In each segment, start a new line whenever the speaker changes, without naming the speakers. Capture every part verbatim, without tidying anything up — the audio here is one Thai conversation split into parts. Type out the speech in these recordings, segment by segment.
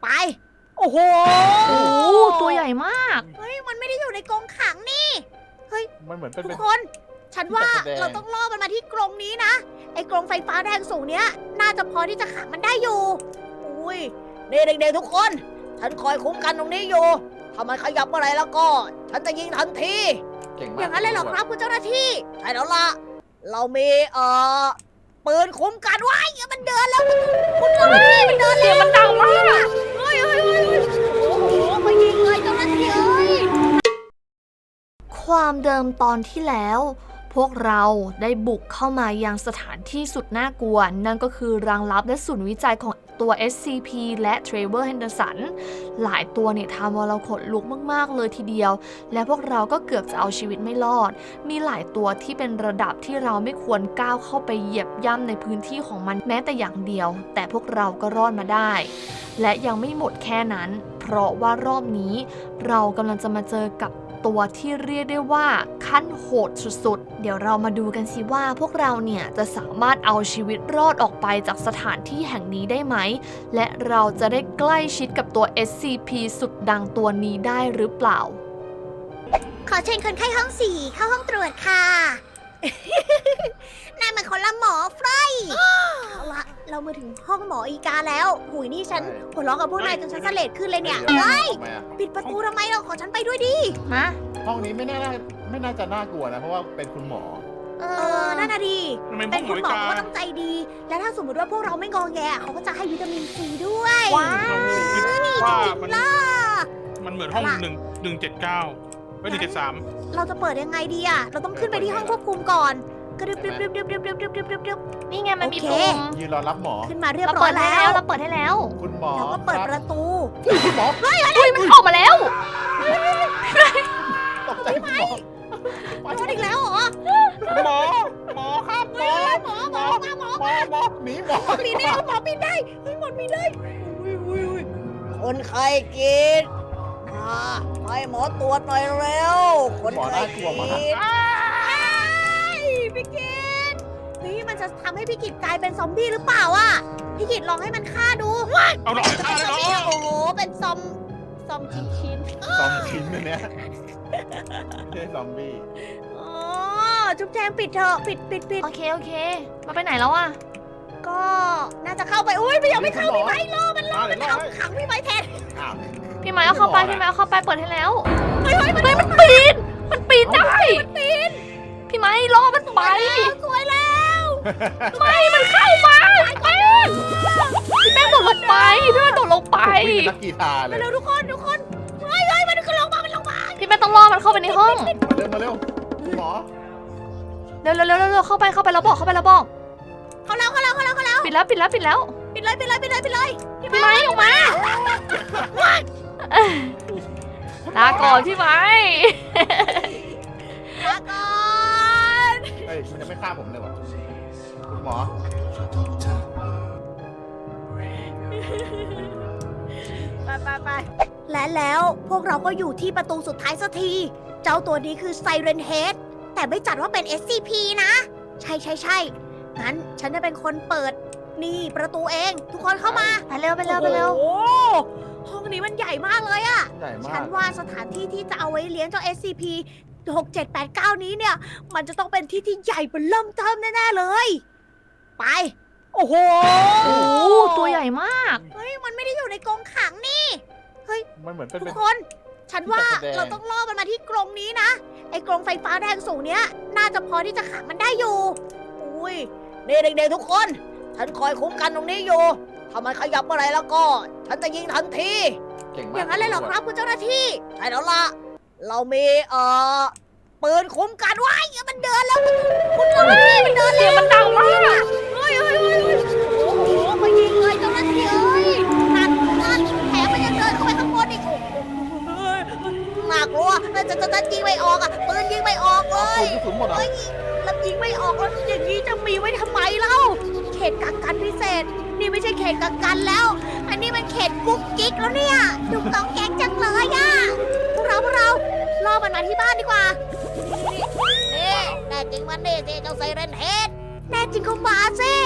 ไปโอ้โห
โอ้ตัวใหญ่มาก
เฮ้ยมันไม่ได้อยู่ในกรงขังนี่
มันเหมือนเป็น
ทุก
เป็น
คน ฉันว่า
ที่จัดแสดง
เราต้องล่อมันมาที่กรงนี้นะไอ้กรงไฟฟ้าแรงสูงเนี้ยน่าจะพอที่จะขังมันได้อยู่อุ้ยเด็กๆทุกคน ฉันคอยคุ้มกันตรงนี้อยู่ถ้ามันขยับเมื่อไหรแล้วก็ ฉันจะยิงทันที
เก่งมาก
อย่างนั้นเลยเหรอครับคุณเจ้าหน้าที่ใช่แล้วล่ะเรามีเอ่อปืนคุ้มกันไว้มันเดินแล้วคุณเจ้าหน้าที่มันเดิน
เสี
แล้
ยง
ว
มันดังมาก
เฮ้ยเฮ้ยเฮ้ยเฮ้ยโอ้โหมายิงเลยเจ้าหน้าที่เอ้ย
ความเดิมตอนที่แล้ว พวกเราได้บุกเข้ามายังสถานที่สุดน่ากลัว นั่นก็คือรังลับและศูนย์วิจัยของตัว เอส ซี พี และเทรเวอร์ เฮนเดอร์สัน หลายตัวเนี่ยทำเอาเราขนลุกมากๆเลยทีเดียว และพวกเราก็เกือบจะเอาชีวิตไม่รอด มีหลายตัวที่เป็นระดับที่เราไม่ควรก้าวเข้าไปเหยียบย่ำในพื้นที่ของมันแม้แต่อย่างเดียว แต่พวกเราก็รอดมาได้ และยังไม่หมดแค่นั้น เพราะว่ารอบนี้เรากำลังจะมาเจอกับตัวที่เรียกได้ว่าขั้นโหดสุดๆ เดี๋ยวเรามาดูกันสิว่าพวกเราเนี่ยจะสามารถเอาชีวิตรอดออกไปจากสถานที่แห่งนี้ได้ไหม และเราจะได้ใกล้ชิดกับตัว เอส ซี พี สุดดังตัวนี้ได้หรือเปล่า
ขอเชิญคนไข้ห้องสี่เข้าห้องตรวจค่ะ นั่นมันคนละหมอเฟรยเอาละเรามาถึงห้องหมออีกาแล้วหุยนี่ฉันหัวเราะกับพวกนายจนฉันเสลดขึ้นเลยเนี่ย
ดี๋ว
เฮ้ย
ทำไมอะ
ปิดประตูทำไมเราขอฉันไปด้วยดิ
ฮะ
ห้องนี้ไม่น่าไม่น่าจะน่ากลัวนะ เพราะว่าเป็นคุณหมอ
เออนั่นน่ะดี
ทำไมพ
เป็
วน กห
คุ
ม
ณ
วย
หมอก
า
เขาต้องใจดี และถ้าสมมติว่าพวกเราไม่งอแงเขาก็จะให้วิตามินซีด้วย
ว้าว
ว่า
จริง
มัน
ๆล่ะ
มันเหมือนห้องหนึ่งหนึ่งเจ็ดเก้าไม่หนึ่งเจ็ดสาม
เราจะเปิดยังไงดีอะเราต้องขึ้นไปที่ห้องควบคุมก่อนกระดึบดึบดึบดึบดึบดึบดึบดึบดึบดึบ
นี่ไงมันมี
โอเค
ปุ่ม
ยืนรอรับหมอ
ขึ้นมาเรียบ
เรา
ร้อ
เปิ
ย
ดให้
แล้
แล้ว วเราเปิดให้แล้ว
คุณหมอ
เราก็เปิด
ค
ป
บ
ระตู
คุณหมอ
เฮ้ยมันออกมาแล้ว
ตกใจคุณหมอ
โดนอีกแล้วเหรอ
หมอ หมอครับหมอ
หมอหมอมาหมอ
หมอหมอหนีหมอ
ปีนได้หมอปีนได้เฮ้ยหมอปีนได้คนไข้กินมาให้หมอตรวจหน่อยเร็วคน
หมอ
ไข้
น่ากลัวมาก
กินพี่กินนี่มันจะทำให้พี่กิจกลายเป็นซอมบี้หรือเปล่าอ่ะพี่กิจลองให้มันฆ่าดู
เอาหน่อยฆ่าเลย
ซอม
เหร
บี้
อ
โอ้โหเป็นซอมซอมชิ้นชิ้น
ซอมชิ้นอันเนี้ยไม่ใช่ซอมบี้
ๆอ๋อจุ๊บแจงปิดเถอะปิดปิดปิด
โอเคโอเคมาไปไหนแล้วอะ
ก็น่าจะเข้าไปอุ้ยไม่ยังไม่เข้าพี่ไม้รอมันรอ
มา
มัน
เดี๋ยวรอ
เอาขังพี่ไม้แทน
อ้าว
พี่ไม้เอาเข้าไปพี่ไม้เอาเข้าไปเปิดให้แล้ว
เฮ้ยเฮ้ยมัน
เฮ้ยมันปีน มันปีนได้ พี่ไม้รอมันไป
สวยแล้ว
ไม่มันเข้ามาแป้งพี่แป้งโดดลงไปพี่แป้งโดดลงไป
วิ่งเป็นนักกีฬาเลย
เร็วๆทุกคนทุกคนเฮ้ยเฮ้ยมันก็ลงมามันลงมา
พี่แป้งต้องรอมันเข้าไปในห้อง
เร็วมาเร็วคุณหมอ
เร็วเร็วเร็วเร็วเข้าไปเข้าไปแล้วบอกเข้าไปแล้วบอก
เขาแล้วเขาแล้วเขาแล้วเขาแล้ว
ปิดแล้วปิดแล้วปิดแล้ว
ปิดเลยปิดเลยปิดเลยปิดเลย
พี่ไม้ออกมาลาก่อนพี่ไม้
ลาก่อน
เฮ้ยมันยังไม่ฆ่าผมเลยวะคุณหมอ
ไปไปไปและแล้วพวกเราก็อยู่ที่ประตูสุดท้ายสักที เจ้าตัวนี้คือไซเรนเฮดแต่ไม่จัดว่าเป็น เอส ซี พี นะ ใช่ใช่ใช่งั้นฉันจะเป็นคนเปิดนี่ประตูเองทุกคนเข้ามา
ไปเร็วไปเร็วไปเร็ว
โอ้โหห้องนี้มันใหญ่มากเลยอะ
ใหญ่มา
ฉั
ก
นว่าสถานที่ที่จะเอาไว้เลี้ยงเจ้า เอส ซี พี หก เจ็ด แปด เก้า นี้เนี่ย มันจะต้องเป็นที่ที่ใหญ่เป็นเริ่มเทิมแน่ๆเลย ไป โอ้โห
โอ้ตัวใหญ่มาก
เฮ้ย มันไม่ได้อยู่ในกรงขังนี่
มันเหมือนเป็น
ทุ
เป็
ก
น
คน ฉันว่า
ที่จัดแสดง
เราต้องล่อมันมาที่กรงนี้นะ ไอ้กรงไฟฟ้าแรงสูงเนี้ย น่าจะพอที่จะขังมันได้อยู่ อุ้ยนี่เด็กๆทุกคน ฉันคอยคุ้มกันตรงนี้อยู่ ถ้ามันขยับเมื่อไหรแล้วก็ ฉันจะยิงทันที
เก่งมาก
อย่างนั้นเลยเหรอครับคุณเจ้าหน้าที่ใช่แล้วล่ะ เรามีเอ่อปืนคุ้มกันไว้มันเดินแล้วคุณเจ้าหน้าที่มันเดิน
เสี
แล้
ยง
ว
มันดังมาก
เฮ้ยเฮ้ยเฮ้ยเฮ้ยโอ้โหมายิงเลยเจ้าหน้าที่เอ้ยนั่นนั่นแถมมันยังเดินเข้าไปข้างบนอีกโอ้โหน่ากลัวแต่จะจะจะยิงไม่ออกอ่ะปืนยิงไม่ออกเล
เอา
ย
ปืนกระสุนหมดเหรอ
เฮ้ยแล้วยิงไม่ออกแล้วอย่างนี้จะมีไว้ทำไมเล่าเขตกักกันพิเศษ นี่ไม่ใช่เขตกักกันแล้ว อันนี้มันเขตกุ๊กกิ๊กแล้วเนี่ยดุกต้องแก๊งจังเลยอ่ะพวกเราพวกเราล่อมันมาที่บ้านดีกว่านี่แน่จริงมันนี่สิเจ้าไซเรนเฮดแน่จริงก็มาสิ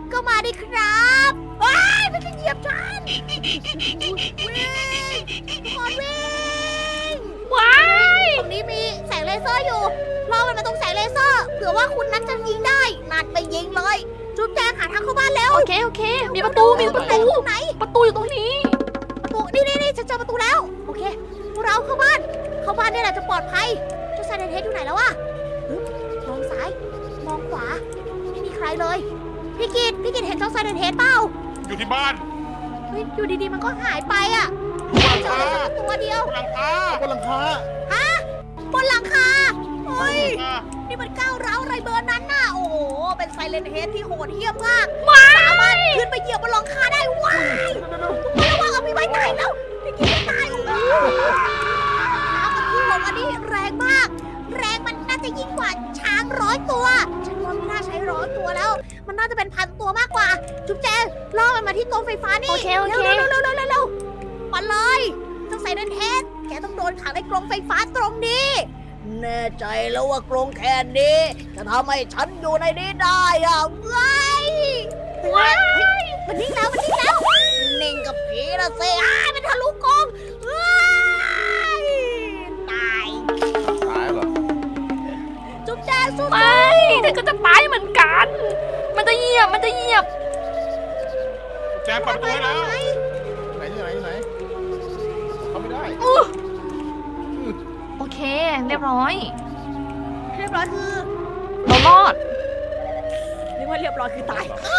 ก็มาดิครับว้ายมันจะเหยียบฉันวิ่งทุกคนวิ่ง
ว้าย
ตรงนี้มีแสงเลเซอร์อยู่ล่อมันมาตรงแสงเลเซอร์เผื่อว่าคุณนั้นจะยิงได้นัดไปยิงเลยจุ๊บแจงหาทางเข้าบ้านแล้ว
โอเคโอเค มีประตูมีประตู
ตรงไหน
ประตูอยู่ตรงนี้
ประตูนี่นี่นี่ฉันเจอประตูแล้วโอเคพวกเราเข้าบ้านเข้าบ้านนี่แหละจะปลอดภัยเจ้าไซเรนเฮดอยู่ไหนแล้ววะฮึบมองซ้ายมองขวาไม่มีใครเลยพี่กิตพี่กิตเห็นเจ้าไซเรนเฮดเปล่า
อยู่ที่บ้าน
เฮ้ยอยู่ดีๆมันก็หายไปอ่ะ
อยู่บนหลัง
เจอ
คา
ได้แค่ตัวเดียว
บนหลังคา
บนหลังคา
บนหลังคาเฮ้ย
อ่ะ
นี่มันก้าวร้าวอะไรเบอร์นั้นน่ะ โอ้โห เป็นไซเลนเฮดที่โหดเหี้ยมมาก สามารถขึ้นไปเหยียบบนหลังคาได้ ว้ายทุกคนระวังเอาพี่ไว้ตายแล้วพี่กินไม่ตายโอ้โหน้ำมันพุ่งลงอันนี้แรงมาก แรงมันน่าจะยิ่งกว่าช้างร้อยตัว ฉันว่าไม่น่าใช้ร้อยตัวแล้ว มันน่าจะเป็นพันตัวมากกว่า จุ๊บแจงล่อมันมาที่กรงไฟฟ้านี่
โอเคโอเค
เร็วเร็วเร็วเร็วเร็วเร็วมาเลยเจ้าไซเลนเฮดแกต้องโดนขังในกรงไฟฟ้าตรงนี้ แน่ใจแล้วว่ากรงแค่นี้จะทำให้ฉันอยู่ในนี้ได้อะว้ายว้ายมันนิ่งแล้วมันนิ่งแล้ว นิ่งกับผีนะเซ่อ้ายมันทะลุกรงว้ายตาย
ตายเหรอ
จุ๊บแจงสู้
ไม่เธอก็จะตายเหมือนกัน มันจะเหยียบมันจะเหยียบ
แจงเปิดประตูให้แล้ว
ไหน
ไหนที่ไหนที่ไหนเขาไม่ได้
อู้โอเค เรียบร้อย
เรียบร้อยคือ
เรารอด
นึกว่าเรียบร้อยคือตาย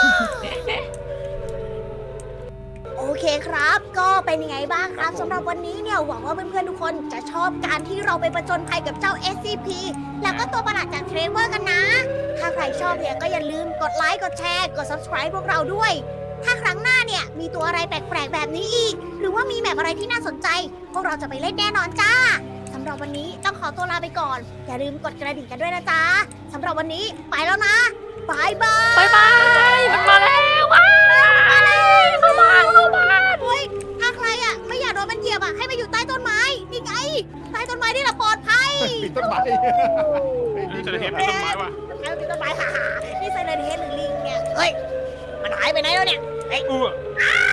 โอเคครับ ก็เป็นยังไงบ้างครับสำหรับวันนี้เนี่ยหวังว่าเพื่อนๆทุกคนจะชอบการที่เราไปประจนภัยกับเจ้า เอส ซี พี แล้วก็ตัวประหลาดจากเทรเวอร์กันนะ ถ้าใครชอบเนี่ยก็อย่าลืมกดไลค์กดแชร์กด subscribe พวกเราด้วย ถ้าครั้งหน้าเนี่ยมีตัวอะไรแปลกๆแบบนี้อีก หรือว่ามีแบบอะไรที่น่าสนใจ พวกเราจะไปเล่นแน่นอนจ้าสำหรับวันนี้ต้องขอตัวลาไปก่อน อย่าลืมกดกระดิ่งกันด้วยนะจ๊ะสำหรับวันนี้ไปแล้วนะบายบาย
บายบาย มันมาแล้วว้ายมาแล้วเข้าบ้านเข้าบ้าน
เฮ้ยถ้าใครอ่ะไม่อยากโดนมันเหยียบอ่ะให้มาอยู่ใต้ต้นไม้นี่ไงใต้ต้นไม้นี่แหละปลอดภัย
ปิดต้นไม้
นี่จะเห็นเป็นต้นไม้ว่ะ
ใครเป็นต้นไม้ฮ่าๆนี่ไซเรนเฮดหรือลิงเนี่ยเฮ้ยมันหายไปไหนแล้วเนี่ย
เออ
อ้า